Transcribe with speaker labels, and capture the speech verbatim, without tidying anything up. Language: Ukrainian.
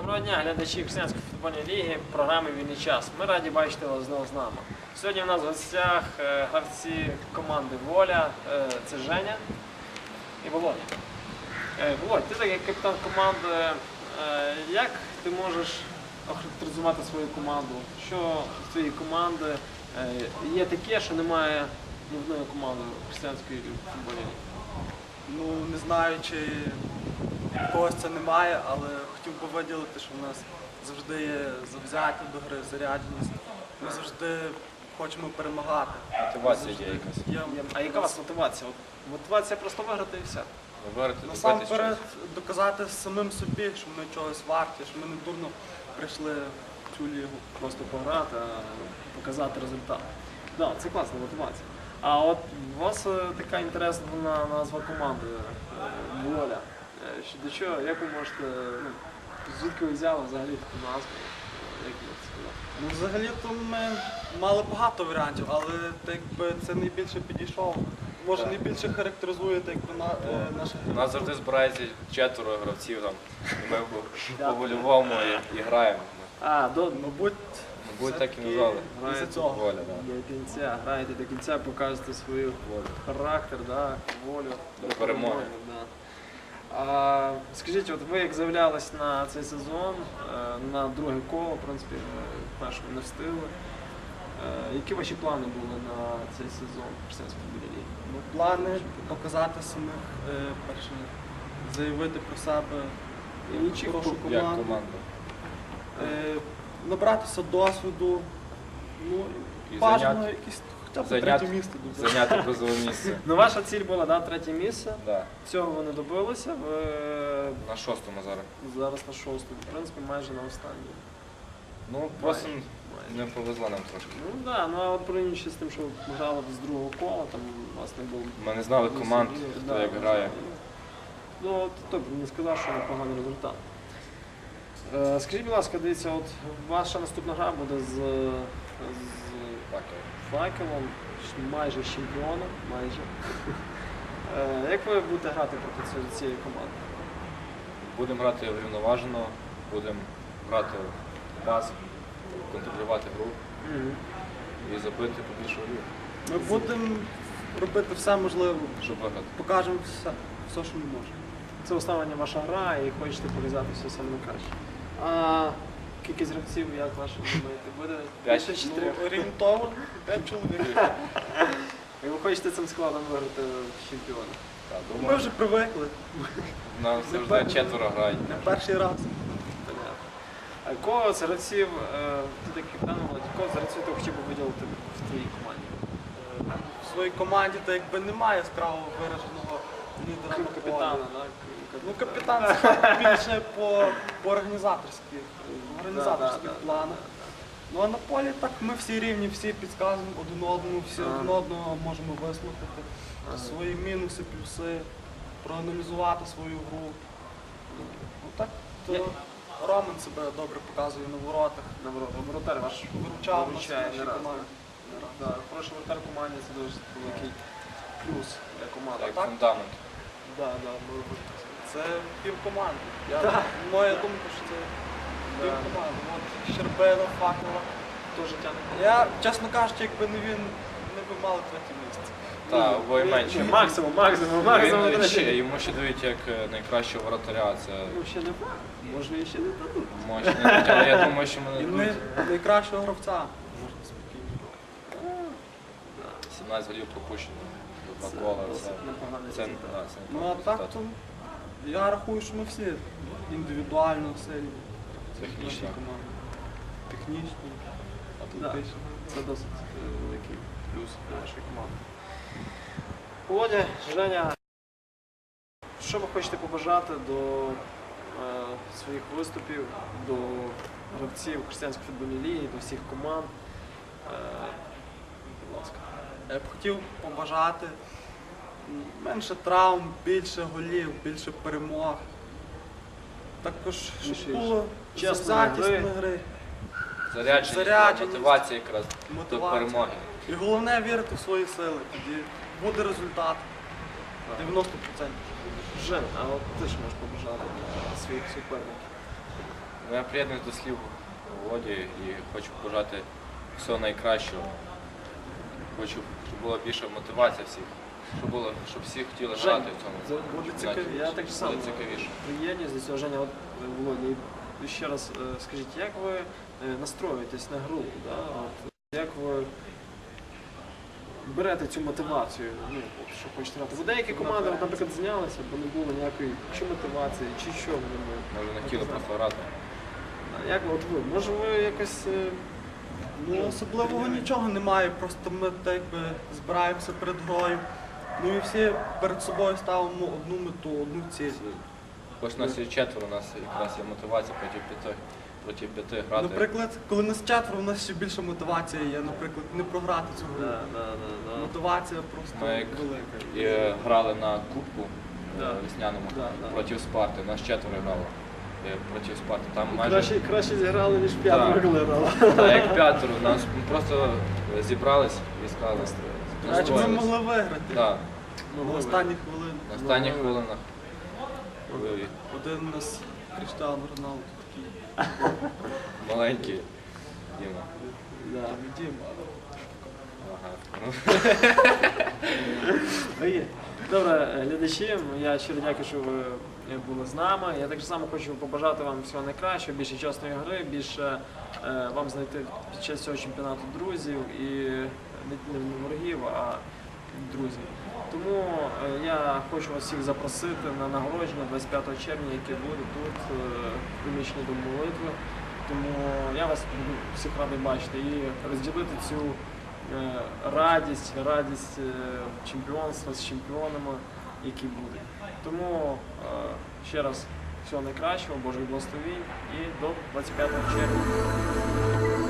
Speaker 1: Доброго дня, глядачі Християнської футбольної ліги, програми «Вільний час». Ми раді бачити вас знову з нами. Сьогодні у нас в гостях е, гравці команди «Воля». Е, це Женя і Володя. Е, Володь, ти так як капітан команди, е, як ти можеш охарактеризувати свою команду? Що в твоїй команди е, є таке, що немає ні одної команди Християнської футбольної ліги?
Speaker 2: Ну, не знаю, чи в когось це немає, але хотів би виділити, що в нас завжди є завзяття до гри, зарядженість. Ми завжди хочемо перемагати.
Speaker 3: Мотивація є якась.
Speaker 2: Є,
Speaker 1: А яка у вас мотивація? От мотивація просто виграти і все.
Speaker 3: Вибирати, добитись
Speaker 2: насамперед
Speaker 3: щось.
Speaker 2: доказати самим собі, що ми чогось варті, що ми не дурно прийшли в цю лігу.
Speaker 1: Просто пограти, а показати результат. Так, да, це класна мотивація. А от у вас е, така інтересна назва команди е, «Воля». Е, що- До чого, як ви можете, ну, звідки ви взяли взагалі таку назву? Е, Як можете сказати?
Speaker 2: Ну, взагалі-то ми мали багато варіантів, але так якби це найбільше підійшов. Може,
Speaker 3: Так.
Speaker 2: найбільше характеризує так, якби, на, е, наших
Speaker 3: У нас завжди збирається четверо гравців там. І ми по- по-вольовому і, і граємо.
Speaker 1: А, до,
Speaker 2: Мабуть,
Speaker 3: Мабуть, так і
Speaker 2: все-таки
Speaker 3: назвали.
Speaker 2: із-за цього.
Speaker 3: Воля, да.
Speaker 1: до кінця, граєте до кінця, показуєте свій характер, да, волю.
Speaker 3: До перемоги.
Speaker 1: Да. А, скажіть, от ви як заявлялись на цей сезон, е, на друге коло, в принципі, ви першого не встигли. Е, Які ваші плани були на цей сезон в Християнській футбольній лігі?
Speaker 2: Ну, плани показати самих, е, перше, заявити про себе
Speaker 1: І
Speaker 2: е,
Speaker 1: чи
Speaker 2: хорошу
Speaker 3: Як
Speaker 2: команду,
Speaker 3: команда.
Speaker 2: е, набратися досвіду, ну,
Speaker 3: І
Speaker 2: бажано
Speaker 3: зайняти-
Speaker 2: якісь хоча б
Speaker 3: зайняти-
Speaker 2: третє місце дуже.
Speaker 3: Зайняти призове місце.
Speaker 1: Ну, ваша ціль була, да, третє місце.
Speaker 3: Да.
Speaker 1: Цього ви не добилися. Ви
Speaker 3: На шостому зараз.
Speaker 1: зараз на шостому, в принципі, майже на останньому.
Speaker 3: Ну, просто
Speaker 1: Майже.
Speaker 3: не повезло нам трошки.
Speaker 1: Ну так, да, ну а от порівнюючи з тим, що ми грали з другого кола, там у вас не було.
Speaker 3: Ми не знали команд, хто як грає.
Speaker 1: Ну, от тобто не сказав, що непоганий результат. Е, скажіть, будь ласка, дивіться, от ваша наступна гра буде з, з
Speaker 3: Так,
Speaker 1: факелом, ш- майже з чемпіоном, майже. Е, як ви будете грати проти цієї- цієї команди?
Speaker 3: будемо грати врівноважено, будемо грати в пас, контролювати гру і забити побільше голів,
Speaker 2: Ми будемо робити все можливе,
Speaker 3: щоб виграти.
Speaker 2: покажемо все, все, що ми можемо.
Speaker 1: Це остання ваша гра і хочете показати все саме найкраще. А кількість гравців, як ваші думаєте, буде
Speaker 3: П'ять.
Speaker 1: більше
Speaker 2: Ну,
Speaker 1: чотирьох?
Speaker 2: орієнтовно п'ять чоловік.
Speaker 1: І ви хочете цим складом виграти чемпіона?
Speaker 3: Так,
Speaker 2: Ми
Speaker 3: думаю,
Speaker 2: вже привикли,
Speaker 3: нам завжди четверо грають.
Speaker 2: не перший раз.
Speaker 1: Понятно. А кого з гравців, е, ти такий певно, кого з гравців ти хотів би виділити в твоїй команді?
Speaker 2: Е, В своїй команді то якби немає яскраво вираженого лідера
Speaker 1: Крім
Speaker 2: на полі.
Speaker 1: капітана, так?
Speaker 2: Ну, капітан це більше по, по організаторських, організаторських
Speaker 1: Да, да, да,
Speaker 2: планах. Ну а на полі так ми всі рівні, всі підказуємо один одному, всі
Speaker 1: Ага.
Speaker 2: один одного можемо вислухати,
Speaker 1: Ага.
Speaker 2: свої мінуси, плюси, проаналізувати свою гру. Ну так, то
Speaker 1: Я-
Speaker 2: Роман себе добре показує на воротах,
Speaker 1: Наоборот, воротар ваш
Speaker 2: виручав нас в
Speaker 1: виручає
Speaker 2: нашій
Speaker 1: не раз.
Speaker 2: команді.
Speaker 1: Да, хороший воротар в команді це дуже великий плюс для команди.
Speaker 3: Як
Speaker 2: так?
Speaker 3: фундамент.
Speaker 1: Да, да, можу бути так сказати.
Speaker 2: Це пів команди. Я,
Speaker 1: Так.
Speaker 2: Моя думка, що це
Speaker 1: Да.
Speaker 2: пів команди. От Щербина, Факела.
Speaker 1: То життя не
Speaker 2: Я, чесно кажучи, якби не він, ми б мали третє місце.
Speaker 3: Так, обоє менше.
Speaker 1: Максимум, максимум, максимум.
Speaker 3: Він
Speaker 1: до
Speaker 3: ще-
Speaker 1: речі.
Speaker 3: Йому ще дають як е, найкращого воротаря. Це
Speaker 1: Ну, ще не факт. Може, і ще не дадуть.
Speaker 3: мощно. Але я думаю, що мене
Speaker 2: І
Speaker 3: дадуть
Speaker 2: не найкращого гравця. Можна спокійно.
Speaker 3: сімнадцять голів пропущено. Два
Speaker 1: Це
Speaker 3: кола.
Speaker 1: досить
Speaker 3: Це,
Speaker 1: непоганий
Speaker 3: це,
Speaker 1: результат.
Speaker 3: да, це
Speaker 2: Ну а
Speaker 3: непоганий
Speaker 2: так,
Speaker 3: результат.
Speaker 2: то я рахую, що ми всі індивідуально сильні.
Speaker 3: Технічно.
Speaker 2: Наші команди. Технічно,
Speaker 1: Да.
Speaker 2: атлетично.
Speaker 1: Це досить е, великий плюс для нашої команди. Володя, Женя, що ви хочете побажати до е, своїх виступів, до гравців Християнської футбольної ліги, до всіх команд? Е, будь ласка.
Speaker 2: Я б хотів побажати м, менше травм, більше голів, більше перемог. Також, щоб
Speaker 1: Більше
Speaker 2: було
Speaker 1: чесної
Speaker 2: завзятість
Speaker 1: гри.
Speaker 2: на гри,
Speaker 3: Зарядженість,
Speaker 2: Зарядженість.
Speaker 3: мотивація якраз до
Speaker 2: мотивація.
Speaker 3: перемоги.
Speaker 2: І головне вірити в свої сили. Тоді буде результат. дев'яносто відсотків.
Speaker 1: Жен, а от ти ж можеш побажати для своїх суперників?
Speaker 3: Ну, я приєднуюсь до слів Володі і хочу побажати всього найкращого. Хочу, щоб була більша мотивація всіх, щоб, було, щоб всі хотіли
Speaker 1: Жень,
Speaker 3: грати в цьому.
Speaker 1: це буде
Speaker 3: чемпіонаті,
Speaker 1: цікаві- я
Speaker 3: щоб
Speaker 1: так само.
Speaker 3: Буде цікавіше.
Speaker 1: Приєдність до цього, Женя, от е, Володя, і ще раз е, скажіть, як ви е, настроюєтесь на гру? Да? От, як ви берете цю мотивацію, ну, от, що хочете грати? Бо деякі команди, от, наприклад, знялися, бо не було ніякої чи мотивації, чи що вони були.
Speaker 3: Може, не хотіли просто грати.
Speaker 1: А як от ви? Може ви якось. е,
Speaker 2: Ну, особливого нічого немає, просто ми так якби збираємося перед грою. Ну і всі перед собою ставимо одну мету, одну ціль.
Speaker 3: Хоч нас є четверо, у нас якраз є мотивація проти п'яти, проти п'яти грати.
Speaker 2: Наприклад, коли нас четверо, у нас ще більше мотивація є, наприклад, не програти цю гру.
Speaker 1: Да, да, да, да.
Speaker 2: Мотивація просто
Speaker 3: Ми як
Speaker 2: велика.
Speaker 3: і грали на кубку
Speaker 1: Да.
Speaker 3: е, весняному
Speaker 1: Да, да.
Speaker 3: проти Спарти. Нас четверо грало е, проти Спарти. Там майже
Speaker 1: Краще, краще зіграли, ніж п'ятеро,
Speaker 3: Так.
Speaker 1: коли грали.
Speaker 3: та, як п'ятеро. Нас просто зібрались і сказали.
Speaker 2: Значить, ми
Speaker 3: настроїлись.
Speaker 2: могли виграти
Speaker 3: Да,
Speaker 2: на останніх хвилинах.
Speaker 3: на останніх хвилинах. Ой,
Speaker 2: Один у нас Кріштіану Роналду такий.
Speaker 3: маленький Діма.
Speaker 1: Да.
Speaker 2: Дім.
Speaker 3: Ага. Ну,
Speaker 1: Окей. Добре, е, глядачі, я щиро дякую, що ви е, були з нами. Я так само хочу побажати вам всього найкращого, більше чесної гри, більше е, вам знайти під час цього чемпіонату друзів і не, не ворогів, а друзів. Тому е, я хочу вас всіх запросити на нагородження двадцять п'ятого червня, яке буде тут, е, в приміщенні Дому молитви. Тому я вас буду всіх радий бачити і розділити цю е, радість, радість е, чемпіонства з чемпіонами, які будуть. Тому е, ще раз всього найкращого, Божих благословінь і до двадцять п'ятого червня.